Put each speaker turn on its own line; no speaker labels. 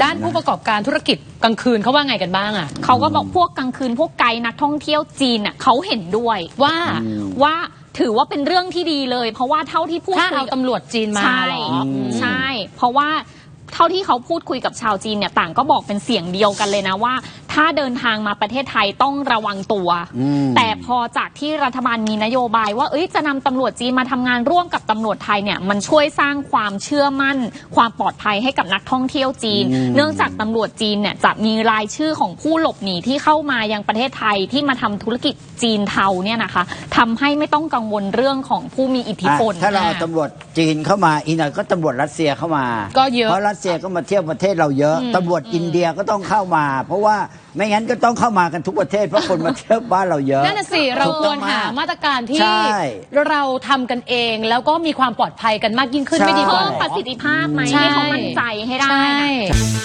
ด้านผู้ประกอบการธุรกิจกลางคืนเขาว่าไงกันบ้างอ่ะ
เขาก็บอกพวกกลางคืนพวกไกด์นักท่องเที่ยวจีนเขาเห็นด้วยว่าถือว่าเป็นเรื่องที่ดีเลย เพราะว่าเท่าที่พูดคุย
เอาตำรวจจีนมา
ใช่เพราะว่าเท่าที่เขาพูดคุยกับชาวจีนเนี่ยต่างก็บอกเป็นเสียงเดียวกันเลยนะว่าถ้าเดินทางมาประเทศไทยต้องระวังตัวแต่พอจากที่รัฐบาลมีนโยบายว่าจะนำตำรวจจีนมาทำงานร่วมกับตำรวจไทยเนี่ยมันช่วยสร้างความเชื่อมั่นความปลอดภัยให้กับนักท่องเที่ยวจีนเนื่องจากตำรวจจีนเนี่ยจะมีรายชื่อของผู้หลบหนีที่เข้ามายังประเทศไทยที่มาทำธุรกิจจีนเทาเนี่ยนะคะทำให้ไม่ต้องกังวลเรื่องของผู้มีอิทธิพล
ถ้าเราเอาตำรวจจีนเข้ามาอีกหน่อยก็ตำรวจรัสเซียเข้ามา
ก็เยอะ
เพราะรัสเซียก็มาเที่ยวประเทศเราเยอะตำรวจอินเดียก็ต้องเข้ามา เพราะว่าไม่งั้นก็ต้องเข้ามากันทุกประเทศเพราะคนมาเที่ยวบ้านเราเยอะ
นั่นน่ะสิเราควรหามาตรการที่เราทำกันเองแล้วก็มีความปลอดภัยกันมากยิ่งขึ้นไม่ดีกว่า
เพิ่มประสิทธิภาพไหมให้เขามั่นใจให้ได้นะ